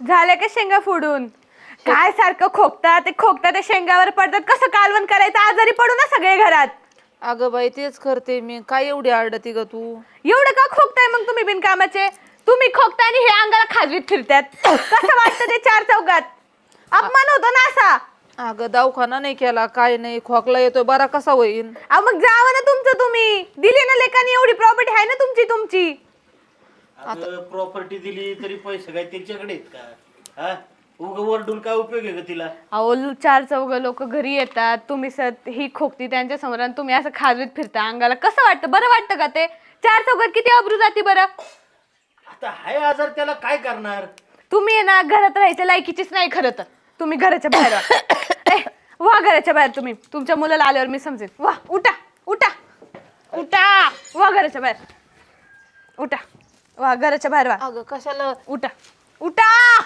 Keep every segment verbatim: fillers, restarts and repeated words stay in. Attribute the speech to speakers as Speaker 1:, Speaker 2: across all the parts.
Speaker 1: झाले का शेंगा फोडून? काय सारखं खोकतात ते खोकतात ते शेंगावर पडतात. कसं कालवण करायचं? आजारी पडू ना सगळे घरात.
Speaker 2: अगं बाई तेच करते मी. काय एवढी आरडती ग तू?
Speaker 1: एवढं का खोकताय मग तुम्ही बिनकामाचे? तुम्ही खोकताय आणि हे अंगाला खाजवीत फिरतात. कसं वाटतं ते चार चौघात? अपमान होतो ना असा.
Speaker 2: अगं दवाखाना नाही केला, काय नाही, खोकला येतोय, बरा कसा होईल?
Speaker 1: अहो मग जावं ना तुमचं तुम्ही. दिली ना लेकानी, एवढी प्रॉपर्टी आहे ना तुमची तुमची.
Speaker 3: अगं प्रॉपर्टी दिली तरी पैसे काय त्याच्याकडे आहेत का? हा उग वरडून काय उपयोग आहे का तिला?
Speaker 1: अहो चार चौघ लोक घरी येतात, तुम्ही सत ही खोकती त्यांच्या समोर आणि तुम्ही असं खाजवीत फिरता अंगाला. कसं वाटतं? बरं वाटतं का ते? चार चौघात किती अब्रू जाती बरं.
Speaker 3: आता हाय आजार त्याला काय करणार?
Speaker 1: तुम्ही आहे ना घरात राहायच्या लायकीचीच नाही खरं तर. तुम्ही घराच्या बाहेर वा. ए, वा घराच्या बाहेर तुम्ही. तुमच्या मुलाला आल्यावर मी समजेन. वा उठा उठा उठा. वा घराच्या बाहेर उठा. वा घराच्या बाहेर वा.
Speaker 2: अगं कशाला?
Speaker 1: उठा उठा.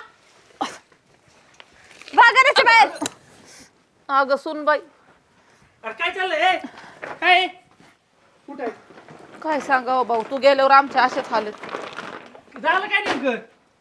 Speaker 1: वा घराच्या बाहेर.
Speaker 2: अगं सुनबाई
Speaker 4: अरे काय चाललंय? काय कुठे
Speaker 2: काय सांगावं भाऊ, तू गेल्यावर आमच्या असेच हालत.
Speaker 4: झालं? काय नेमकं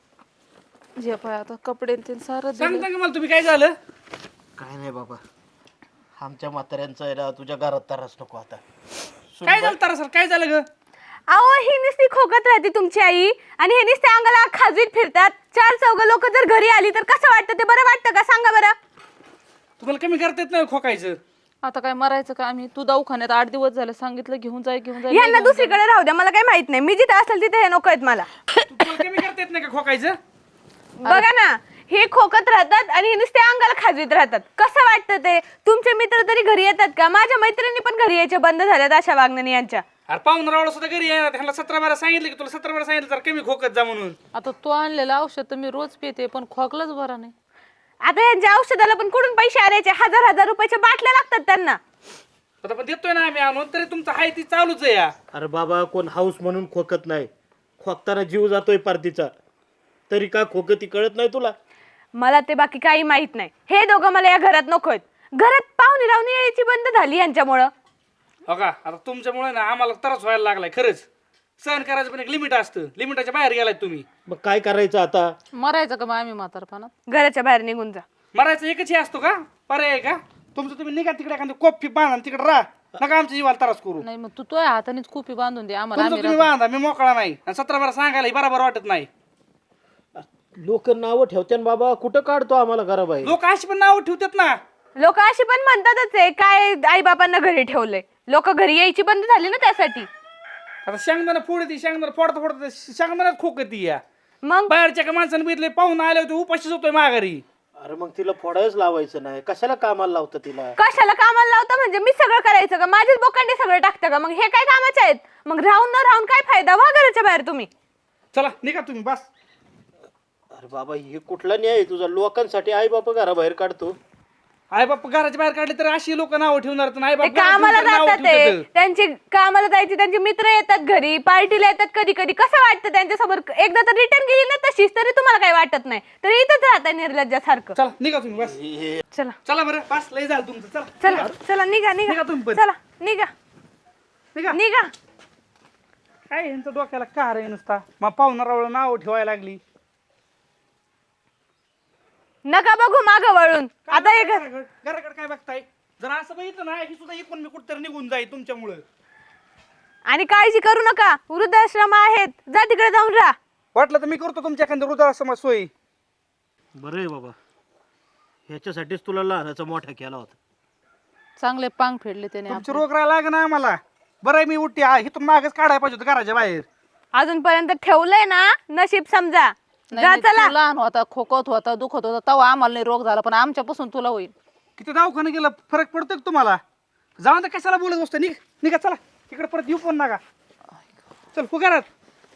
Speaker 2: जे पाय आता कपडे ते सारं दिलं.
Speaker 4: सांगता का मला तुम्ही काय झालं?
Speaker 3: काय नाही बाबा, आमच्या म्हाताऱ्यांचं आहे ना तुझ्या घरात त्रास नको आता.
Speaker 4: काय झालं तारा सर? काय झालं ग?
Speaker 1: अहो ही नुसती खोकत राहते तुमची आई आणि हे नुसते अंगाला खाजवीत फिरतात. चार चौघ लोक जर घरी आली तर कसं वाटतं? ते बरं वाटतं का? सांगा बरं.
Speaker 4: तुम्हाला कमी करता येत नाही खोकायचं?
Speaker 2: आता काय मरायचं का आम्ही? तू दवाखान्यात आठ दिवस झाले सांगितलं घेऊन जाय घेऊन जाय.
Speaker 1: यांना दुसरीकडे राहू द्या, मला काही माहित नाही. मी जिथे असेल तिथे हे नको आहेत मला.
Speaker 4: तुम्हाला कमी करता येत नाही का खोकायचं?
Speaker 1: बघा ना, हे खोकत राहतात आणि हे नुसते अंगाला खाजवीत राहतात. कसं वाटतं ते? तुमचे मित्र तरी घरी येतात का? माझ्या मैत्रिणी पण घरी यायचे बंद झाल्यात अशा वागण्याने यांच्या.
Speaker 4: अरे पाहून रावळ सुद्धा घरी येणार. त्यांना सतरा बारा सांगितलं की तुला सतरा बारा सांगितलं तर कमी खोकत जा म्हणून.
Speaker 2: आता तू आणलेलं औषध तर मी रोज पिते पण खोकलाच बरा नाही.
Speaker 1: आता यांच्या औषधाला पण कुठून पैसे आणायचे? हजार हजार रुपयाच्या बाटल्या लागतात त्यांना.
Speaker 4: आता पण देतोय ना आम्ही आणून, तरी तुमचं हाय ती चालूच आहे या.
Speaker 3: अरे बाबा, कोण हाऊस म्हणून खोकत नाही. खोकताना जीव जातोय पार्टीचा, तरी का खोकती कळत नाही तुला?
Speaker 1: मला ते बाकी काही माहित नाही. हे दोघं मला या घरात नकोत. घरात पाहुणे रावणी यायची बंद झाली यांच्यामुळं.
Speaker 4: हो का? आता तुमच्यामुळे ना आम्हाला त्रास व्हायला लागलाय खरंच. सहन करायचं पण एक लिमिट असतं. लिमिटाच्या बाहेर गेलाय तुम्ही.
Speaker 3: मग काय करायचं आता?
Speaker 2: मरायचं का मग आम्ही म्हातारपणात?
Speaker 1: घराच्या बाहेर निघून जा.
Speaker 4: मरायचं एकच हे असतो का? पर्याय आहे का? तुमचं तुम्ही निघा तिकडे एखादं कोपी बांधा तिकडे राहा. नका आमच्या जीवाला त्रास करू.
Speaker 2: नाही मग तू तुझ्या हातानेच खूपी बांधून दे आम्हाला.
Speaker 4: तुमचं
Speaker 2: आम्ही
Speaker 4: तुम्ही बांधा, मी मोकळा नाही. आणि सतरा बारा सांगायला हे बरोबर वाटत नाही.
Speaker 3: लोक नावं ठेवते बाबा, कुठं काढतो आम्हाला घराबाहेर?
Speaker 4: लोक अशी पण नाव ठेवतात ना.
Speaker 1: लोक अशी पण म्हणतातच आहे, काय आई बापांना घरी ठेवलंय. लोक घरी यायची बंद झाली ना त्यासाठी.
Speaker 4: आता शेंगदाणा फोडती, शेंगदाणा फोडता फोडता शेंगदाण्यात खोकती या.
Speaker 1: मग
Speaker 4: बाहेरच्या का माणसाने बघितले पाहून आले होते उपाशीच होतोय माघारी.
Speaker 3: अरे मग तिला फोडायच लावायचं नाही, कशाला कामाला लावतं तिला?
Speaker 1: कशाला कामाला लावता? म्हणजे मी सगळं करायचं का? माझेच बोकांडे सगळं टाकतं का? मग हे काय कामाचे आहेत? मग राहून न राहून काय फायदा? वा घराच्या बाहेर तुम्ही.
Speaker 4: चला निघा तुम्ही बस.
Speaker 3: अरे बाबा, हे कुठला न्याय आहे तुझा? लोकांसाठी आई बापा घराबाहेर काढतो.
Speaker 4: आई बाप घराच्या बाहेर काढले तर अशी लोक नाव ठेवणार. आई
Speaker 1: ते
Speaker 4: बाप
Speaker 1: कामाला जातात, ते त्यांची कामाला जायची, त्यांचे मित्र येतात घरी, पार्टीला येतात कधी कधी. कसं वाटतं त्यांच्यासमोर? एकदा तर रिटर्न गेली ना तशीच, तरी तुम्हाला काही वाटत नाही. तरी इथंच राहता निर्लज्जासारखं.
Speaker 4: चला निघा तुम्ही बस.
Speaker 1: चला
Speaker 4: चला बरं बस, लय झालं तुमचं. चला
Speaker 1: चला चला निघा निघा.
Speaker 4: निघा तुम्ही पण.
Speaker 1: चला निघा
Speaker 4: निघा.
Speaker 1: निघा.
Speaker 4: काय यांचं डोक्याला कार आहे नुसता. मग पाहुणारावळ नाव ठेवायला लागली.
Speaker 1: नका बघू माग वळून. आता हे घर
Speaker 4: घराकडे काय बघताय? जर असं बघितलं ना ही सुद्धा इकून मी कुठतरी निघून जाईल तुमच्यामुळं.
Speaker 1: आणि काळजी करू नका, वृद्धाश्रम आहेत, जा तिकडे जाऊन राहा.
Speaker 4: वाटलं तर मी करतो तुमच्या एखाद्या वृद्धाश्रमात सोयी.
Speaker 3: बरं आहे बाबा, ह्याच्यासाठीच तुला लहानाचा मोठा केला होता.
Speaker 2: चांगले पांग फेडले त्याने
Speaker 4: तुमची रोग राहायला लाग ना आम्हाला. बरं आहे मी उठते, हा इथून मागच काढायला पाहिजे होतं घराच्या बाहेर.
Speaker 1: अजूनपर्यंत ठेवलंय ना, नशीब समजा.
Speaker 2: नाही,
Speaker 1: जा
Speaker 2: नाही,
Speaker 1: चला.
Speaker 2: तू लहान होता, खोकत होता, दुखत होता, तेव्हा आम्हाला नाही रोग झाला, पण आमच्यापासून तुला होईल.
Speaker 4: किती दवाखाने गेलं फरक पडतो का तुम्हाला? जाऊन तर कशाला बोलत बसतो? निघ निघा चला. तिकडे परत येऊ पण नका. चल हो घरात.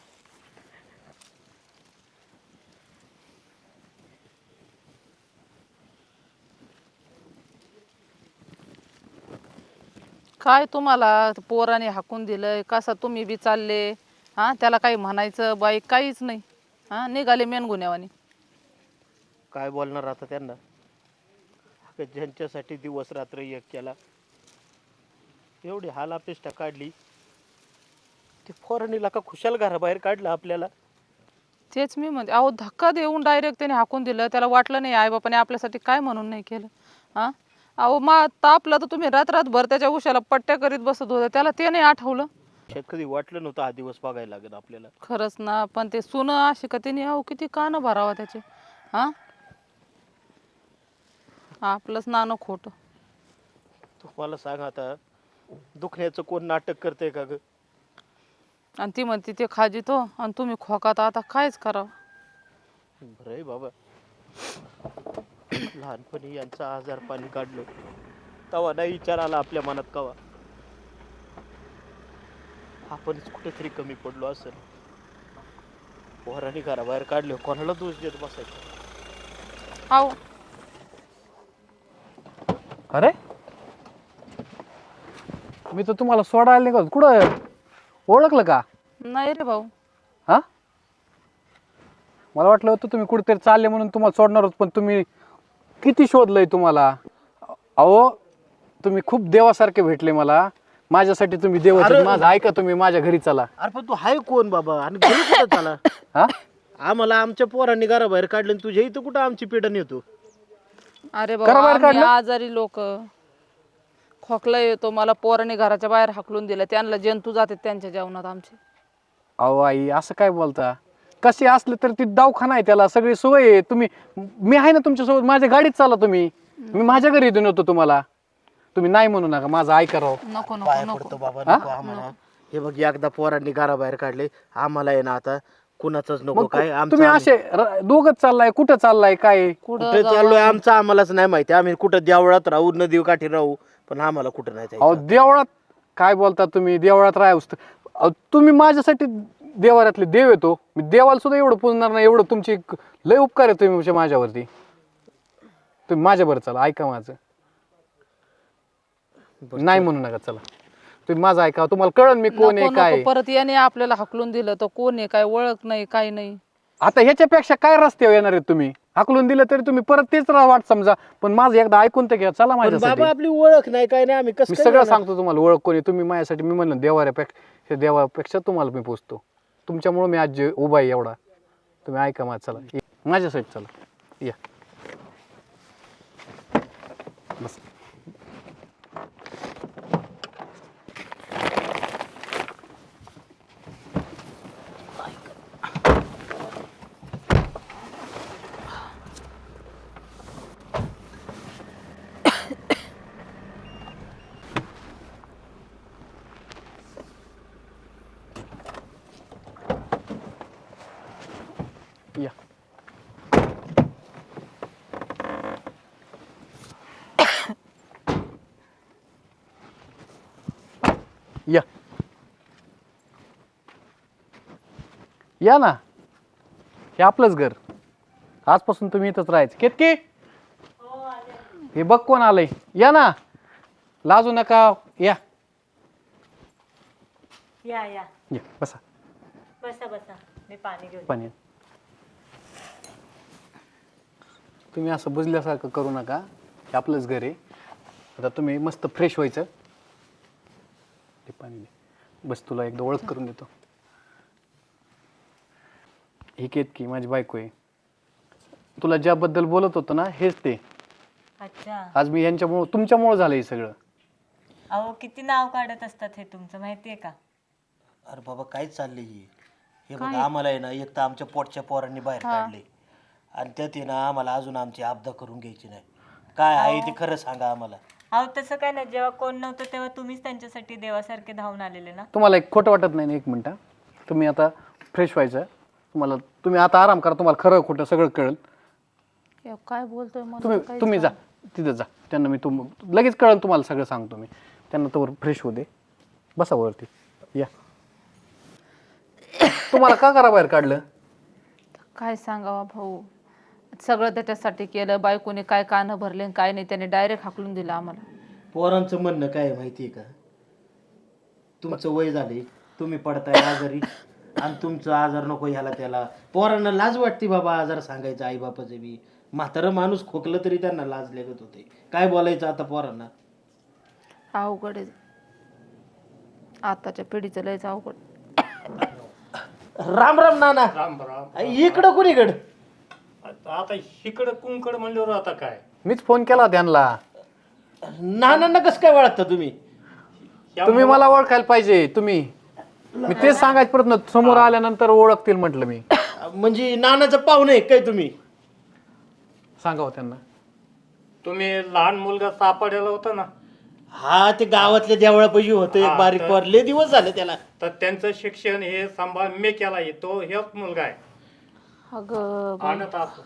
Speaker 2: काय तुम्हाला पोराने हाकून दिलंय? कसा तुम्ही बी चालले? हा त्याला काही म्हणायचं बाई काहीच नाही. हा निघाले मेनगुन्यावानी.
Speaker 3: काय बोलणार आता त्यांना? अगं, ज्यांच्यासाठी दिवस रात्र एक केला, एवढी हाल अपेष्टा काढली, ती फोरनीला का खुशाल घराबाहेर काढलं आपल्याला.
Speaker 2: तेच मी म्हणते, अहो धक्का देऊन डायरेक्ट त्याने हाकून दिलं. त्याला वाटलं नाही आई बापाने आपल्यासाठी काय म्हणून नाही केलं. हां अहो मा तापलं तर तुम्ही रात रातभर त्याच्या उशाला पट्ट्या करीत बसत होत्या, त्याला ते नाही आठवलं.
Speaker 3: शेत कधी वाटलं नव्हतं हा दिवस बघायला लागेल आपल्याला.
Speaker 2: खरंच ना, पण ते सुनं अशी का तिने अहो किती कानं भरावा त्याचे. हां आपलंच नाणं खोटं.
Speaker 3: तू मला सांग आता, दुखण्याचं कोण नाटक करतंय का ग?
Speaker 2: आणि ती म्हणते ते खाजितो आणि तुम्ही खोकात, आता कायच करावं.
Speaker 3: बरं आहे बाबा, लहानपणी यांचं आजार पाणी काढलं तेव्हा नाही विचार आला आपल्या मनात कवा आपणच कुठेतरी कमी पडलो असेल. पोरांनी घराबाहेर काढले, कोणाला दोष देत बसायचं?
Speaker 2: अहो
Speaker 4: अरे मी तर तुम्हाला सोडायला निघालो, कुठं ओळखलं का?
Speaker 2: नाही रे भाऊ.
Speaker 4: हा मला वाटलं होतं तुम्ही कुठेतरी चालले म्हणून तुम्हाला सोडणार होत, पण तुम्ही किती शोधलंय तुम्हाला. अहो तुम्ही खूप देवासारखे भेटले मला, माझ्यासाठी तुम्ही देव आहेत.
Speaker 3: अरे-
Speaker 4: माझं ऐका, तुम्ही माझ्या घरी चला.
Speaker 3: अरे पण तू हाय कोण बाबा, आणि घरी कुठं चाला?
Speaker 4: हा
Speaker 3: आम्हाला आमच्या पोरांनी घराबाहेर काढलं आणि तुझ्या इथं कुठं आमची पिढा येतो?
Speaker 2: अरे
Speaker 4: करा
Speaker 2: बाबा
Speaker 4: बाहेर
Speaker 2: आम्ही
Speaker 4: काढलं?
Speaker 2: आजारी लोक, खोकला येतो, मला पोराने घराच्या बाहेर हाकलून दिलं. त्यांना जंतू जाते त्यांच्या जेवणात आमचे.
Speaker 4: अहो आई असं काय बोलता? कसे असले तर ती दवाखाना आहे, त्याला सगळी सोय आहे. तुम्ही मी आहे ना तुमच्यासोबत, माझ्या गाडीत चाला तुम्ही. मी माझ्या घरी येऊन होतो तुम्हाला. तुम्ही नाही म्हणू नका, माझं ऐका राव.
Speaker 2: नको नको
Speaker 3: पाया
Speaker 2: नको.
Speaker 3: पडतो बाबा, नको आम्हाला. हे बघ, एकदा पोरांनी घराबाहेर काढले, आम्हाला आहे ना आता कुणाचंच नको.
Speaker 4: मग
Speaker 3: काय आमचं
Speaker 4: तुम्ही
Speaker 3: आम्ही-
Speaker 4: असे र- दोघंच चाललाय, कुठं चाललाय काय?
Speaker 2: कुठं
Speaker 3: कुठे
Speaker 2: जावं?
Speaker 3: चाललोय आमचं आम्हालाच नाही माहिती. आम्ही कुठं देवळात राहू, नदी काठी राहू, पण आम्हाला कुठं नाही
Speaker 4: अहो
Speaker 3: जायचं.
Speaker 4: देवळात काय बोलता तुम्ही? देवळात राहूस अहो, तुम्ही माझ्यासाठी देवाऱ्यातले देव येतो. मी देवाला सुद्धा एवढं पुजणार नाही, एवढं तुमची एक लय उपकार आहे तुम्ही माझ्यावरती. तुम्ही माझ्याबरोबर चला, ऐका माझं. नाही म्हणू नका, चला तुम्ही माझं ऐका. तुम्हाला कळन मी कोण आहे
Speaker 2: नको
Speaker 4: काय.
Speaker 2: नको. परत याने आपल्याला हाकलून दिलं तर कोण आहे, काय ओळख नाही, काय नाही.
Speaker 4: आता ह्याच्यापेक्षा काय रस्त्यावर येणार आहेत तुम्ही? हाकलून दिलं तरी तुम्ही परत तेच रा- वाट समजा, पण माझं एकदा ऐकून तर घ्या, चला
Speaker 3: पण
Speaker 4: माझ्यासाठी.
Speaker 3: बाबा आपली ओळख नाही, काय नाही, आम्ही कसं
Speaker 4: मी
Speaker 3: काय
Speaker 4: सगळं
Speaker 3: जाणार?
Speaker 4: सांगतो तुम्हाला, ओळख कोणी तुम्ही माझ्यासाठी. मी म्हणलं देवाऱ्यापेक्षा देवापेक्षा तुम्हाला मी पोचतो. तुमच्यामुळे मी आज जे उभा आहे एवढा. तुम्ही ऐका माझं, चला ये. माझ्यासाठी चला या. बस. या. या या ना, हे आपलंच घर. आजपासून तुम्ही इथंच राहायचं. केतकी, हे बघ कोण आलंय. या ना, लाजू नका. या
Speaker 5: या या
Speaker 4: या, बसा.
Speaker 5: बसा बसा, मी पाणी घेऊन
Speaker 4: पाणी. तुम्ही असं बुजल्यासारखं करू नका, हे आपलंच घर आहे. आता तुम्ही मस्त फ्रेश व्हायचं. ते पाणी दे. बस, तुला एकदा ओळख करून देतो. ही केतकी माझी बायको आहे. तुला ज्याबद्दल बोलत होतो ना, हेच ते.
Speaker 5: अच्छा.
Speaker 4: आज मी यांच्यामुळं तुमच्यामुळं झालं हे सगळं.
Speaker 5: अहो किती नाव काढत असतात हे तुमचं, माहितीये का?
Speaker 3: अरे बाबा काय चाललंय हे? हे बघा, आम्हाला आहे ना, एक तर आमच्या पोटच्या पोरांनी बाहेर काढले, आणि त्यात आहे ना आम्हाला अजून आमची आपदा करून घ्यायची नाही. काय आहे ते खरं सांगा आम्हाला.
Speaker 5: अहो तसं काय नाही, जेव्हा कोण नव्हतं तेव्हा तुम्हीच त्यांच्यासाठी देवासारखे धावून आलेले ना.
Speaker 4: तुम्हाला एक खोटं वाटत नाही ना? एक मिनटं, तुम्ही आता फ्रेश व्हायचं. तुम्हाला तुम्ही आता आराम करा, तुम्हाला खरं खोटं सगळं कळेल.
Speaker 2: हे काय बोलतोय मला
Speaker 4: तुम्ही
Speaker 2: काहीच
Speaker 4: तुम्ही जा तिथं जा. त्यांना मी तुम लगेच कळेल तुम्हाला सगळं सांगतो मी. त्यांना तर फ्रेश होऊ दे. बसा वरती. या. तुम्हाला का करा बाहेर काढलं?
Speaker 2: काय सांगावा भाऊ, सगळं त्याच्यासाठी केलं. बायकोने काय कानं भरले आणि काय नाही, त्याने डायरेक्ट हाकलून दिलं आम्हाला.
Speaker 3: पोरांचं म्हणणं काय आहे माहितीये का? तुमचं वय झाले, तुम्ही पडताय आजारी, आणि तुमचं आजार नको ह्याला त्याला. पोरांना लाज वाटते बाबा आजार सांगायचं. आई बापाचं बी म्हातारं माणूस खोकलं तरी त्यांना लाज लागत होते. काय बोलायचं आता पोरांना?
Speaker 2: अवघड आहे आताच्या पिढीचं, लयच अवघड.
Speaker 3: राम राम नाना.
Speaker 6: राम राम.
Speaker 3: इकडं कुणीकडं?
Speaker 6: आता आता इकडं कुंकड म्हणल्यावर आता काय
Speaker 4: मीच फोन केला त्यांना.
Speaker 3: नानांना कसं काय ओळखता तुम्ही?
Speaker 4: तुम्ही मला ओळखायला पाहिजे. तुम्ही मी तेच सांगायचं प्रयत्न समोर आल्यानंतर ओळखतील म्हटलं मी.
Speaker 3: म्हणजे नानाचं पाहुणे आहे काय तुम्ही?
Speaker 4: सांगावं त्यांना.
Speaker 6: तुम्ही लहान मुलगा सापडलेला होता ना,
Speaker 3: हा ते गावातल्या देवळापाशी होतं एक बारीक पोर. लय दिवस झाले त्याला.
Speaker 6: तर त्यांचं शिक्षण हे सांभाळ मी केला आहे. तो हेच मुलगा आहे.
Speaker 2: अगं
Speaker 6: आणत असतो.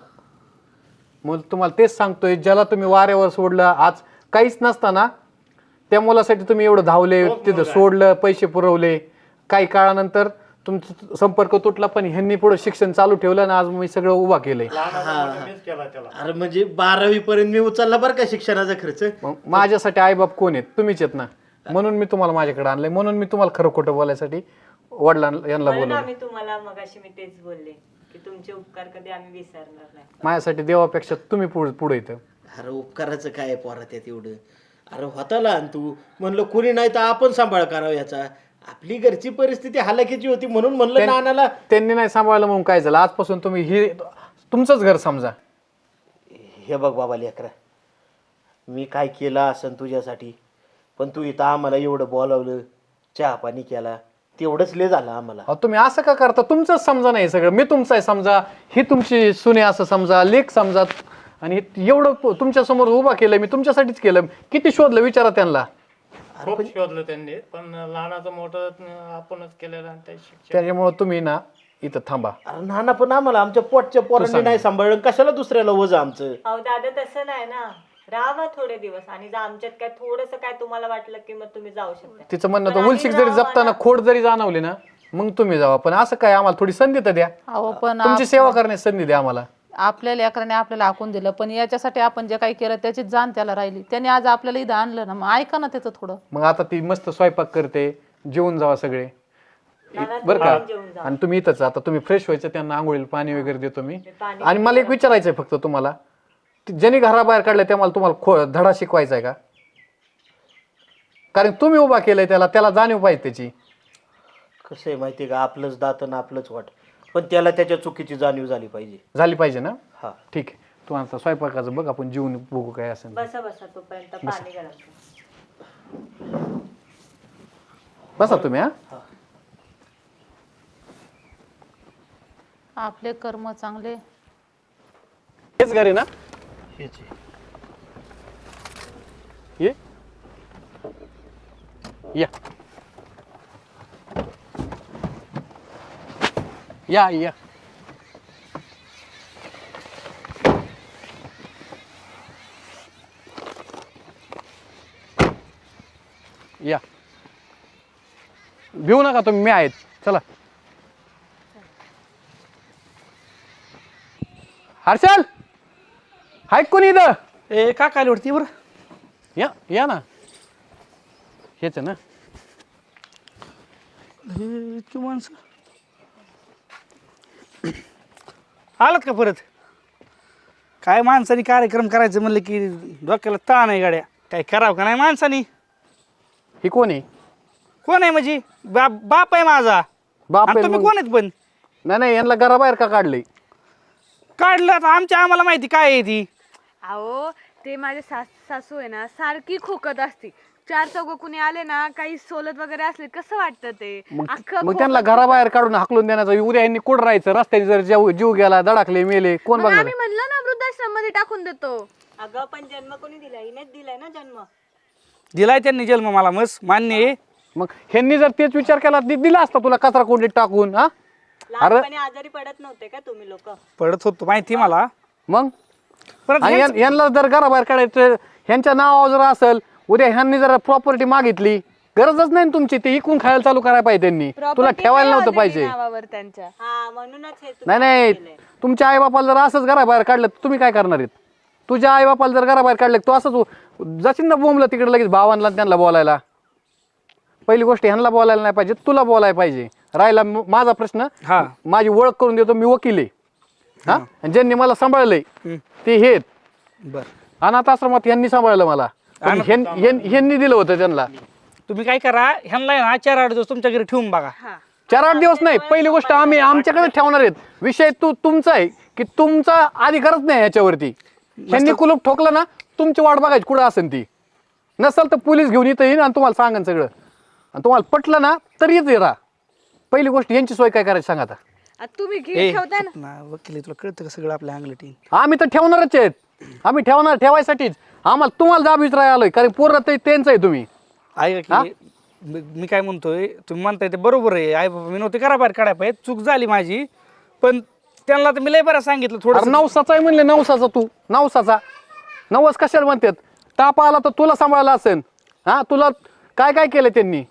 Speaker 4: मग तुम्हाला तेच सांगतोय, ज्याला तुम्ही वाऱ्यावर सोडलं, आज काहीच नसताना त्या मुलासाठी तुम्ही एवढं धावले, तिथं सोडलं, पैसे पुरवले. काही काळानंतर तुमचा संपर्क तुटला, पण ह्यांनी पुढे शिक्षण चालू ठेवलं आणि आज मी सगळं उभा केलंय.
Speaker 6: लहानाचा मोठा मीच केला त्याला.
Speaker 3: अरे म्हणजे बारावी पर्यंत मी उचलला बरं का शिक्षणाचा खर्च.
Speaker 4: मग माझ्यासाठी आईबाप कोण आहेत? तुम्हीच आहेत ना. म्हणून मी तुम्हाला माझ्याकडे आणलंय. म्हणून मी तुम्हाला खरं खोटं बोलायसाठी वडिलांना यांना
Speaker 5: म्हणून
Speaker 4: बोलवलं.
Speaker 5: आम्ही तुम्हाला मगाशी मी तेच बोलले की तुमचे उपकार कधी आम्ही विसरणार नाही.
Speaker 4: माझ्यासाठी देवापेक्षा तुम्ही पुढे पुढे येतं.
Speaker 3: अरे उपकाराचं काय पोरा त्यात एवढं. अरे होता लहान तू, म्हणलं कुणी नाही तर आपण सांभाळ करावं याचा. आपली घरची परिस्थिती हालाकीची होती म्हणून म्हणलं नानाला.
Speaker 4: त्यांनी नाही सांभाळलं म्हणून काय झालं? आजपासून तुम्ही ही तुमचंच घर समजा.
Speaker 3: हे बघ बाबा लेकरा, मी काय केलं असं तुझ्यासाठी, पण तू इथं आम्हाला एवढं बोलावलं, चहा पाणी केला, तेवढंच लय झालं आम्हाला.
Speaker 4: अहो, तुम्ही असं का करता? तुमचंच समजा नाही सगळं. मी तुमचं आहे समजा, ही तुमची सुने असं समजा, लेख समजा. आणि हे एवढं तुमच्या समोर उभा केलं मी, तुमच्यासाठीच केलं. किती शोधलं विचारा त्यांना.
Speaker 6: खूप शोधलं त्यांनी, पण लहानाचं मोठं आपणच केलेलं आणि त्या शिक्षण.
Speaker 4: त्याच्यामुळे तुम्ही ना इथं थांबा.
Speaker 3: अरे नाना पण आम्हाला आमच्या पोटच्या पोरांनी नाही सांभाळलं, कशाला दुसऱ्याला वजा आमचं.
Speaker 5: अहो दादा तसं नाही ना, राहा थोडे दिवस आणि जर आमच्यात काय थोडंसं काय तुम्हाला वाटलं की मग तुम्ही जाऊ शकता.
Speaker 4: तिचं म्हणणं तर उलशिक जरी जपताना खोड जरी जाणवली ना, मग तुम्ही जावा. पण असं काय, आम्हाला थोडी संधी तर द्या.
Speaker 2: अहो पण
Speaker 4: तुमची सेवा करण्याची संधी द्या आम्हाला.
Speaker 2: आपल्या लेकराने आपल्याला हाकून दिलं, पण याच्यासाठी आपण जे काही केलं त्याची जाण त्याला राहिली. त्याने आज आपल्याला इथं आणलं ना, मग ऐका ना त्याचं थोडं.
Speaker 4: मग आता ती मस्त स्वयंपाक करते, जेवून जावा सगळे बरं का. आणि तुम्ही इथंच आता तुम्ही फ्रेश व्हायचं, त्यांना आंघोळीला पाणी वगैरे देतो मी. आणि मला एक विचारायचंय फक्त तुम्हाला, ज्यांनी घराबाहेर काढलंय त्या मला तुम्हाला खो धडा शिकवायचा आहे का? कारण तुम्ही उभा केलंय त्याला, त्याला जाणीव पाहिजे त्याची.
Speaker 3: कसं आहे माहिती का, आपलंच दात आणि आपलंच वाट, पण त्याला त्याच्या चुकीची जाणीव झाली पाहिजे.
Speaker 4: झाली पाहिजे ना.
Speaker 3: हा
Speaker 4: ठीक आहे, तू आता स्वयंपाकाचं बघ, आपण जेवून बघू काय असेल.
Speaker 5: बसा बसा तोपर्यंत पाणी गरम करा.
Speaker 4: बसा तुम्ही. हा
Speaker 2: आपले कर्म चांगले.
Speaker 4: हेच घरी ना.
Speaker 3: हेच आहे.
Speaker 4: ये या या या या भिवू नका तुम्ही, मी आहेत. चला हर्षल, हाय कोणी इथं?
Speaker 7: ए का काय वरती बरं
Speaker 4: या या ना. हेच आहे ना.
Speaker 7: हे इतकी माणसं आलात का परत? काय माणसानी कार्यक्रम करायचं म्हणलं की डोक्याला ताण आहे गाड्या. काय करावं का नाही माणसानी?
Speaker 4: ही कोण आहे?
Speaker 7: कोण आहे म्हणजे? बाप बाप आहे माझा.
Speaker 4: बाप
Speaker 7: आणि
Speaker 4: आहे
Speaker 7: तुम्ही
Speaker 4: मग?
Speaker 7: कोण आहेत पण?
Speaker 4: नाही नाही, यांना घराबाहेर का काढले?
Speaker 7: काढलं आता आमच्या आम्हाला माहिती काय आहे ती.
Speaker 1: अहो ते माझे सास सासू आहे ना, सारखी खोकत असते. चार चौघ कुणी आले ना, काही सोलत वगैरे असले कसं वाटतं ते.
Speaker 4: मग
Speaker 1: अख्खं
Speaker 4: मग त्यांना घराबाहेर काढून हाकलून देण्याचा. उद्या यांनी कुठं राहायचं? रस्त्याने जर जीव जीव गेला, धडकले, मेले, कोण
Speaker 1: मग
Speaker 4: बघणार?
Speaker 1: आम्ही म्हणलं ना वृद्धाश्रम मध्ये टाकून देतो.
Speaker 5: अगं पण जन्म कोणी दिलाय? हिनेच दिलाय ना जन्म.
Speaker 7: दिलाय त्यांनी जन्म, मला मस्त मान्य आहे.
Speaker 4: मग ह्यांनी जर तेच विचार केला, दि- दिला असता तुला कचरा कोंडीत टाकून. हा
Speaker 5: लहानपणी आजारी पडत नव्हते का तुम्ही लोक?
Speaker 7: पडत होतो माहिती मला.
Speaker 4: मग
Speaker 7: परत
Speaker 4: आणि यां- यांना जर घराबाहेर काढायचं, ह्यांच्या नावावर जर असेल, उद्या ह्यांनी जर प्रॉपर्टी मागितली, गरजच नाही ना तुमची, ते इकून खायला चालू करायला पाहिजे त्यांनी. तुला
Speaker 1: Property
Speaker 4: ठेवायला
Speaker 1: नाही
Speaker 4: नव्हतं
Speaker 1: already
Speaker 4: पाहिजे.
Speaker 1: नावावर त्यांच्या.
Speaker 5: हा म्हणूनच हे तुम्ही
Speaker 4: नाही नाही,
Speaker 5: केलंय.
Speaker 4: तुमच्या आईबापाला जर असंच घराबाहेर काढलं तर तुम्ही काय करणार आहेत? तुझ्या आईबापाला जर घराबाहेर काढलं तू असंच जाशील ना बोंबलं तिकडे लगेच भावांना त्यांना बोलायला. पहिली गोष्ट ह्यांना बोलायला नाही पाहिजे, तुला बोलायला पाहिजे. राहिला म- माझा प्रश्न,
Speaker 7: हा
Speaker 4: माझी ओळख करून देतो, मी वकील आहे. हा आणि ज्यांनी मला सांभाळलंय ते हे आहेत.
Speaker 7: बर.
Speaker 4: अनाथ आश्रमात यांनी सांभाळलं मला. पण ह्यां- ह्यां- ह्यांनी दिलं होतं त्यांना.
Speaker 7: तुम्ही काय करा, ह्यांना आहे ना चार आठ दिवस तुमच्या घरी ठेवून बघा.
Speaker 1: हा
Speaker 4: चार आठ दिवस नाही, पहिली गोष्ट आम्ही आमच्याकडे ठेवणार आहेत. विषय तू तुमचा आहे की तुमचा अधिकारच नाही याच्यावरती. त्यांनी कुलूप ठोकलं ना, तुमची वाट बघायची कुठं असेल ती. नसेल तर पोलीस घेऊन इथं येईन आणि तुम्हाला सांगन सगळं. आणि तुम्हाला पटलं ना तर येते राहा. पहिली गोष्ट यांची सोय काय करायची सांगा आता.
Speaker 1: आता तुम्ही
Speaker 7: ए,
Speaker 1: घे ठेवताय ना.
Speaker 7: ना वकील तुला कळतं का सगळं आपल्या अंगलटी?
Speaker 4: आम्ही तर ठेवणारच आहेत. आम्ही ठेवणार ठेवायसाठीच आम्हाला तुम्हाला जाब विचारायला आलोय, कारण पोरं ते त्यांचं आहे. तुम्ही
Speaker 7: ऐका की मी मी काय म्हणतोय, तुम्ही म्हणताय ते बरोबर आहे. आई बाबा मी नव्हते करा बाहेर काढाय पाहिजे, चूक झाली माझी. पण त्यांना तर मी लय बरं सांगितलं
Speaker 4: अरे
Speaker 7: थोडं.
Speaker 4: नवसाचा आहे म्हणले, नवसाचा तू नवसाचा नवस कशाला म्हणतात. ताप आला तर तुला सांभाळायला असेल. हा तुला काय काय केलं त्यांनी.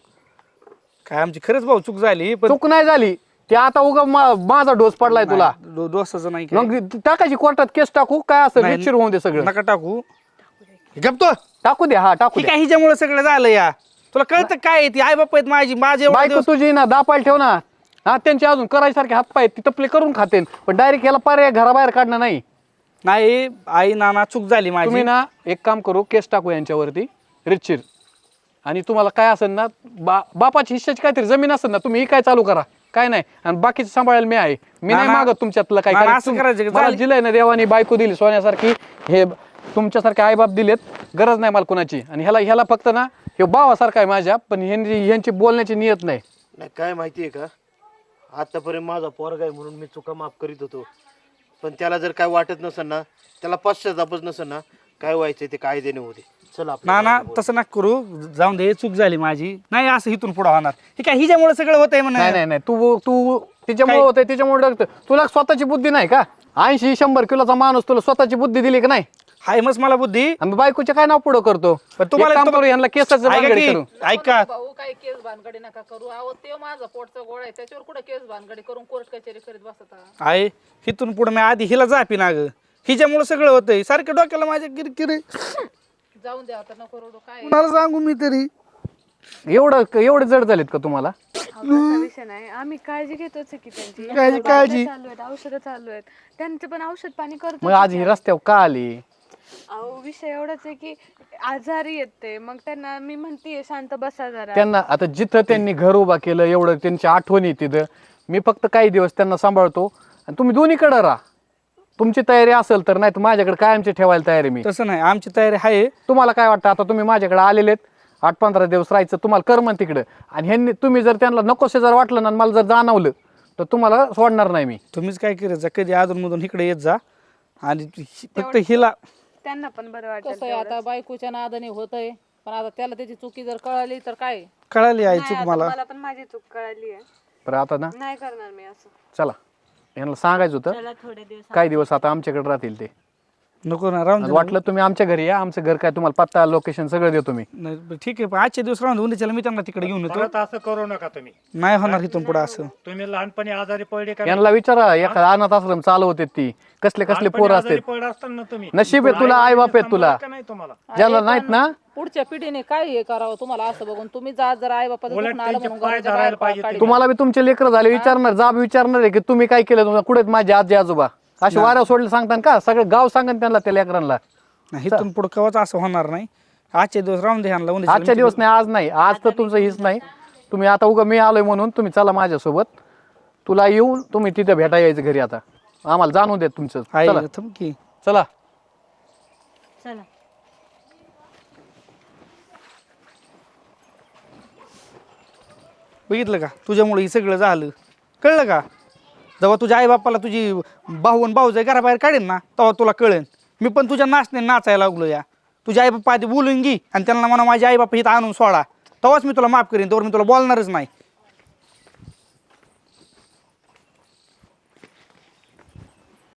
Speaker 7: काय आमची खरंच भाऊ चूक झाली, पण
Speaker 4: चूक नाही झाली ते आता उगा मा- माझा डोस पडलाय तुला.
Speaker 7: दो- दोस्ताचं नाही काय.
Speaker 4: मग टाकायची कोर्टात केस टाकू काय असं
Speaker 7: नाही,
Speaker 4: विचार होऊन दे सगळं.
Speaker 7: नका टाकू. गपतो
Speaker 4: टाकू दे, हा टाकू
Speaker 7: ठीक
Speaker 4: दे.
Speaker 7: आहे, हिच्यामुळे सगळं झालं या. तुला कळतं काय आहे ती आई बाप आहेत माझी माझे एवढे
Speaker 4: बायको
Speaker 7: दिवस-
Speaker 4: तुझी ना दापायला ठेव ना. हा त्यांचे अजून करायसारखे हात पाय ती तपले करून खातेन, पण डायरेक्ट याला पर्याय घराबाहेर काढणं नाही.
Speaker 7: नाही आई नाना चूक झाली
Speaker 4: तुम्ही
Speaker 7: माझी.
Speaker 4: ना एक काम करू, केस टाकू यांच्यावरती रितशीर. आणि तुम्हाला काय असेल ना, बा बापाची हिश्श्याची काहीतरी जमीन असेल ना, तुम्ही ही काय चालू करा, काय नाही. आणि बाकीचं सांभाळायला मी आहे. मी नाही
Speaker 7: नाना-
Speaker 4: मागत तुमच्यातलं काय.
Speaker 7: नाना,
Speaker 4: कारण
Speaker 7: असं
Speaker 4: तुम-
Speaker 7: करायचं का?
Speaker 4: मला
Speaker 7: चालेल.
Speaker 4: दिलंय ना देवानी, बायको दिली सोन्यासारखी. हे तुमच्यासारखे आईबाप दिलेत, गरज नाही मला कोणाची. आणि ह्याला ह्याला फक्त ना हे भावासारखा आहे माझ्या, पण ह्यांची ह्यांची बोलण्याची नियत नाही.
Speaker 3: नाही काय माहितीये का, आतापर्यंत माझा पोरगा आहे म्हणून मी चुका माफ करीत होतो. पण त्याला जर काय वाटत नसेल ना, त्याला पश्चातापच नसेल ना, काय व्हायचंय ते कायद्याने होते. चला आपल्या
Speaker 7: नाना
Speaker 3: गावाला बोलू.
Speaker 7: तसं नका करू, जाऊन दे, चूक झाली माझी. नाही असं इथून पुढे होणार. हे काय हिच्यामुळे सगळं होतंय
Speaker 4: नाही
Speaker 7: म्हणा.
Speaker 4: नाही नाही तू तू तिच्यामुळे
Speaker 7: काय?
Speaker 4: होतंय त्याच्यामुळे डगतं. तुला स्वतःची बुद्धी नाही का. ऐंशी शंभर किलोचा माणूस तुला स्वतःची बुद्धी दिली का नाही.
Speaker 7: हाय मस मला बुद्धी.
Speaker 4: आणि बायकोचे काय नाव पुढं करतो.
Speaker 7: पण तुम्हाला-
Speaker 4: एक काम करू, यांना केसाचं
Speaker 7: ऐका
Speaker 4: भानगडी
Speaker 7: की,
Speaker 4: करू.
Speaker 7: ऐका
Speaker 2: भाऊ काही केस भानगडी नका करू. अहो ते माझा पोटचा गोळा आहे, त्याच्यावर कुठे केस भानगडी करून कोर्ट कचेरी करीत बसता.
Speaker 7: आहे इथून पुढे मी आधी हिला जापी ना ग. हिच्यामुळे सगळं होतंय. सारखं डोक्याला माझ्या किरकिरे.
Speaker 2: जाऊन द्या आता, नको रडू. काय
Speaker 7: कुणाला सांगू मी तरी.
Speaker 4: एवढं एवढे जड झालेत का तुम्हाला.
Speaker 1: अहो, तसा विषय नाही. आम्ही काळजी घेतोच आहे की त्यांची.
Speaker 7: काळजी- काळजी.
Speaker 1: चालू आहेत, औषधं चालू आहेत, त्यांचं पण औषध पाणी करतो.
Speaker 4: मग आज ही रस्त्यावर का आली.
Speaker 1: अहो विषय एवढाच आहे की आजारी येते, मग त्यांना मी म्हणतीये शांत बसा जरा.
Speaker 4: त्यांना आता जिथं त्यांनी घर उभा केलं एवढं त्यांची आठवणी तिथं. मी फक्त काही दिवस त्यांना सांभाळतो आणि तुम्ही दोन्हीकडे राहा. तुमची तयारी असेल तर, नाही तर माझ्याकडे कायमची ठेवायला तयारी मी.
Speaker 7: तसं नाही, आमची तयारी आहे.
Speaker 4: तुम्हाला काय वाटतं, आता तुम्ही माझ्याकडे आलेलेत, आठ पंधरा दिवस राहायचं तुम्हाला करमन तिकडं. आणि ह्यांनी तुम्ही जर त्यांना नकोसे जर वाटलं ना, मला जर जाणवलं तर तुम्हाला सोडणार नाही मी.
Speaker 7: तुम्हीच काय करायचं, कधी अधून मधून इकडे येत जा. आणि हि- फक्त हिला
Speaker 1: त्यांना पण बरं
Speaker 2: कसं
Speaker 1: वाटतं.
Speaker 2: आहे, आता बायकोच्या नादाने होतंय, पण आता त्याला त्याची चुकी जर कळाली तर काय.
Speaker 7: कळाली आहे चूक मला.
Speaker 1: मला पण माझी चूक कळाली आहे.
Speaker 4: बरं आता ना
Speaker 1: नाही करणार मी असं.
Speaker 4: चला, यांना सांगायचं होतं
Speaker 5: चला थोडे दिवस
Speaker 4: काही दिवस आता आमच्याकडे राहतील ते.
Speaker 7: नको ना राहून
Speaker 4: आणि
Speaker 7: दे.
Speaker 4: वाटलं तुम्ही आमच्या घरी या, आमचं घर काय तुम्हाला पत्ता लोकेशन सगळं देतो मी.
Speaker 7: नाही, बरं, ठीक आहे, पण आजच्या दिवस राहून दे. उद्याच्याला मी त्यांना तिकडे घेऊन येतो.
Speaker 6: परत असं करू नका तुम्ही.
Speaker 7: नाही होणार इथून पुढे असं.
Speaker 6: तुम्ही लहानपणी आजारी पडले का?
Speaker 4: यांना विचारा, एखादा अनाथ आश्रम चालवते ती कसले कसले
Speaker 6: लहानपणी
Speaker 4: पोरं
Speaker 6: आजारी
Speaker 4: असतात.
Speaker 6: पडले असताना तुम्ही
Speaker 4: नशीब आहे तुला, आई बाप आहेत तुला.
Speaker 6: सांभाळलं का नाही तुम्हाला?
Speaker 4: ज्याला नाहीत ना,
Speaker 2: पुढच्या पिढीने काय हे करावं तुम्हाला असं बघून. तुम्ही जा जर आई बापाचं
Speaker 6: उलट
Speaker 2: दुखणं आलं
Speaker 6: त्यांचे
Speaker 2: म्हणून
Speaker 6: पाय
Speaker 2: घराच्या
Speaker 6: धरायला
Speaker 2: बाहेर
Speaker 6: पाहिजे
Speaker 2: काढी.
Speaker 4: तुम्हाला बी तुमचे लेकर झाले विचारणार, जाब विचारणार आहे की तुम्ही काय केलं, तुम्हाला कुठे माझे आजी आजोबा असे वाऱ्या सोडले सांगतात का. सगळं गाव सांगन त्यांना, त्या लेकरांना.
Speaker 7: नाही इथून पुढे कवाच असं होणार नाही. आजच्या दिवस राहून दे ह्यांना. उद्याच्याला
Speaker 4: आजच्या दिवस नाही, आज नाही, आज तर तुमचं हीच नाही. तुम्ही आता उगा मी आलोय म्हणून तुम्ही चला माझ्यासोबत. तुला येऊन तुम्ही तिथे भेटा यायचं घरी. आता आम्हाला जाणून देत तुमचं.
Speaker 7: आई
Speaker 4: चला
Speaker 7: थांब की.
Speaker 4: चला.
Speaker 5: चला.
Speaker 7: बघितलं का, तुझ्यामुळे हे सगळं झालं. कळलं का. जेव्हा तुझ्या आई बापाला तुझी भाऊ आणि भाऊ घराबाहेर काढेन ना, तेव्हा तुला कळेन. मी पण तुझ्या नाचणे नाचायला लागलो या. तुझ्या आई बाप्पा आधी बोलून घे आणि त्यांना म्हणा माझे आई बाप्पा इथं आणून सोडा, तेव्हाच मी तुला माफ करीन. तेव्हा मी तुला बोलणारच नाही.